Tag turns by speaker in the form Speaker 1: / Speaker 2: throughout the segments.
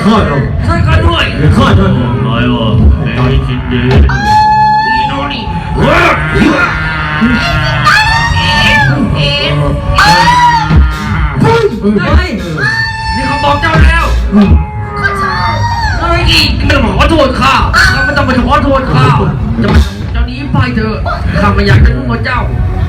Speaker 1: ข้าเรา
Speaker 2: ช่วยกันด้วย
Speaker 1: ข้าท่าน
Speaker 2: น้อยวะไอ้คิดดีนี่โน่นี่เฮ้ยนี่เขาบอกเจ้าแล้วเฮ้ยไม่ต้องขอโทษข้าไม่ต้องไปขอโทษข้าจะมาเจ้านี้ไปเถอะข้าไม่อยากจะรู้ว่าเจ้า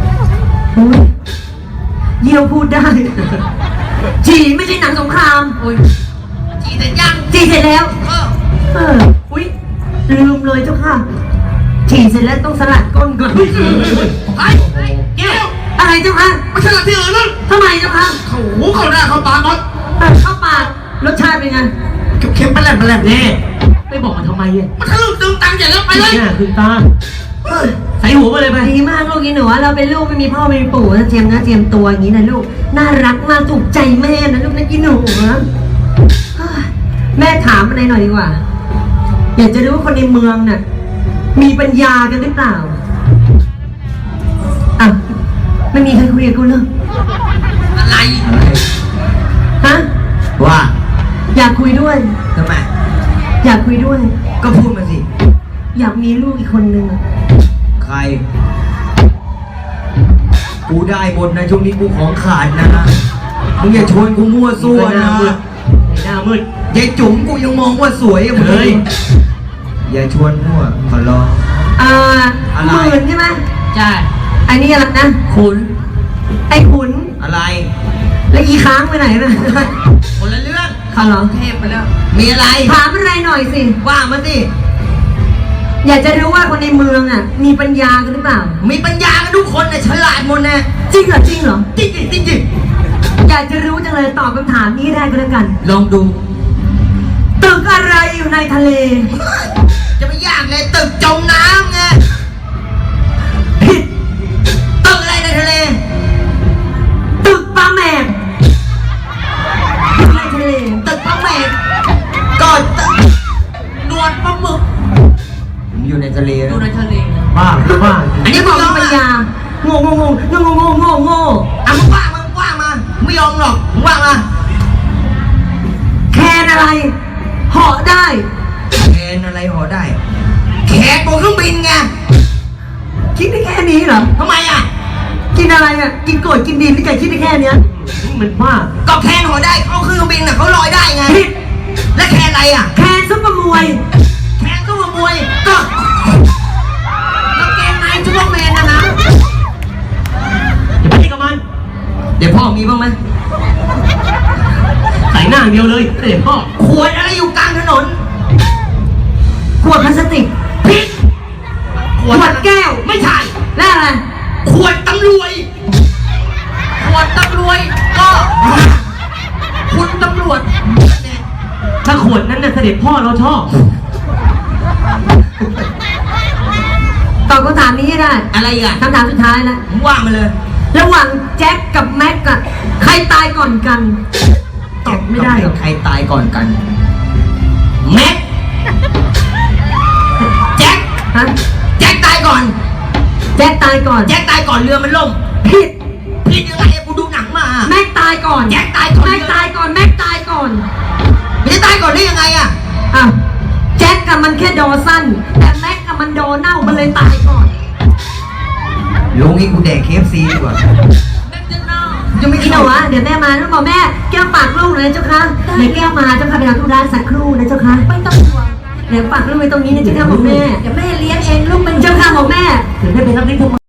Speaker 3: เยี่ยวพูดได้จีไม่ใช่หนังสงคราม
Speaker 2: จีเสร็จยัง
Speaker 3: จีเสร็จแล้วอุ้ยลืมเลยเจ้าค่ะจีเสร็จแล้วต้องสลัดก้นก่อน
Speaker 2: ไอ้เกี้ยว
Speaker 3: อะไรเจ้าค่ะ
Speaker 2: ไม่ใช่ที่อื่นนั่น
Speaker 3: ทำไมเจ้าค่ะ
Speaker 2: เขาหูเขาหน้าเขาตาน็อต
Speaker 3: เข้าปากรสชาติเป็นไง
Speaker 1: เค็มๆแปลกๆเนี่ย
Speaker 3: ไม่บอกมาทำไมเนี่ย
Speaker 2: มันคือตึงตังอย่างแล้วไปเลย
Speaker 1: เนี่ยคือตาใส่หัวมาเลยไป
Speaker 3: ดีมากลูกอีหนูเราเป็นลูกไม่มีพ่อไม่มีปู่นะเจียมนะเจียมตัวอย่างนี้นะลูกน่ารักมากถูกใจแม่นะลูกนะอีหนูนะแม่ถามอะไรหน่อยดีกว่าอยากจะรู้ว่าคนในเมืองน่ะมีปัญญากันหรือเปล่าอ่ะไม่มีใครคุยกับกูเลย
Speaker 2: อะไร
Speaker 3: ฮะ
Speaker 1: ว่า
Speaker 3: อยากคุยด้วย
Speaker 1: ทำไม
Speaker 3: อยากคุยด้วย
Speaker 1: ก็พูดมาสิ
Speaker 3: อยากมีลูกอีกคนนึง
Speaker 1: ใครกูได้หมดนะช่วงนี้กูของขาดนะมึงอย่าชวนกูมั่วซั่วนะหน้ามืดยายจุ๋มกูยังมองว่าสวยเฮ้ยอย่าชวนมั่วขอร้อง
Speaker 3: หมื่นใช่ไหม
Speaker 2: ใช่
Speaker 3: อันนี้อะไรนะ
Speaker 1: ขุน
Speaker 3: ไอ้ขุน
Speaker 1: อะไร
Speaker 3: แล้วอีค้างไปไหนนะ
Speaker 1: คนละเรื่อง
Speaker 3: เขาเหรอ
Speaker 2: เทพไปแล้ว
Speaker 1: มีอะไร
Speaker 3: ถามอะไรหน่อยสิ
Speaker 1: ว่ามาสิ
Speaker 3: อยากจะรู้ว่าคนในเมืองอ่ะมีปัญญากันหรือเปล่า
Speaker 1: มีปัญญากันทุกคนนะฉลาดหมดนะ
Speaker 3: จริงเหรอจริงเหรอ
Speaker 1: จริงจริงจริง
Speaker 3: อยากจะรู้จังเลยตอบคำถามนี้ได้ก็แล้วกัน
Speaker 1: ลองดู
Speaker 3: ตึกอะไรอยู่ในทะเล
Speaker 1: จะไม่ยากเลยตึกจมน้ำไง
Speaker 3: ผิด
Speaker 1: ตึกอะไรในทะเล
Speaker 3: ตึกปลาแหมกในทะเล
Speaker 1: ตึกปลาแหมกก่อน
Speaker 2: นวลปลาหมึก
Speaker 1: อยู่ในทะเล
Speaker 2: อยู่ในทะเล
Speaker 1: บ้าบ้า
Speaker 3: อันนี้บอกมีปัญญาโง่อ่ะมึ
Speaker 1: งว่ามาไม่ยอมหรอกมึงว่ามา
Speaker 3: แคนอะไรเหาะได้
Speaker 1: แคนอะไรเหาะได้แขกบนเครื่องบินไง
Speaker 3: คิดได้แค่นี้เหรอ
Speaker 1: ทำไมอ่ะ
Speaker 3: กินอะไรอ่ะกินโกรธกินดินนี่แกคิดได้แค่เนี้ย
Speaker 1: มันว่าก็แคนเหาะได้เขาเครื่องบินน่ะเขาลอยได้ไง
Speaker 3: ผิด
Speaker 1: และแคนอะไรอ่ะ
Speaker 3: แคนซุปเปอร์มวย
Speaker 1: แคนซุปเปอร์มวยก็
Speaker 2: แล้วเกมไหนซุปเปอร์แมนนะ
Speaker 1: อย่าไปตีกับมันเดี๋ยวพ่อมีบ้างไหมใส่หน้าเดียวเลยเดี๋ยวพ่อขวดอะไรอยู่กลางถนน
Speaker 3: ขวดพลาสติก
Speaker 1: พิษ
Speaker 3: ขวดแก้ว
Speaker 1: ไม่ใช่
Speaker 3: แล้วอะไร
Speaker 1: ขวดตำรวจ
Speaker 2: ก็คุณตำรวจ
Speaker 1: ถ้าขวดนั้นน่ะเสด็จพ่อเราชอบ
Speaker 3: ตอบคำถามนี้ให้ได้
Speaker 1: อะไรอ่ะ
Speaker 3: คำถามสุดท้ายแล้ว
Speaker 1: ว่ามาเลย
Speaker 3: ระหว่างแจ็คกับแม็กอะใครตายก่อนกันตอบไม่ได้หรอก
Speaker 1: ใครตายก่อนกันแม็กแจ็ค
Speaker 3: ฮะ
Speaker 1: แจ็คตายก่อน
Speaker 3: แจ็คตายก่อน
Speaker 1: แจ็คตายก่อนเรือมันล่ม
Speaker 3: ผิด
Speaker 1: ยังไงกูดูหนังมา
Speaker 3: แม็กตายก่อน
Speaker 1: แจ็คตายก่อน
Speaker 3: แม็กตายก่อนแม็กตายก่อน
Speaker 1: ไม่ได้ตายก่อนได้ยังไงอ่ะ
Speaker 3: แจ็คกับมันแค่ดอสั้นแต่แม็กกับมันดอเน่ามันเลยตายก่อน
Speaker 1: ลุงนี่กูแดก KFC ดีกว่า
Speaker 3: ยังไม่กินเหรอวะเดี๋ยวแม่มาแล้วบอกแม่แก้วฝากลูกเลยนะเจ้าค่ะเดี๋ยวแก้วมาเจ้าค่ะไปทำธุระสักครู่นะเจ้าค่ะ
Speaker 2: ไม่ต้องห่วง
Speaker 3: เดี๋ยวฝากลูกไว้ตรงนี้นะเจ้าค่ะบอกแม่
Speaker 2: เดี๋ยวแม่เลี้ยงเองลูกเป็น
Speaker 3: เจ้าค่ะบอกแม่ถึงได้ไปรับเลี้ยง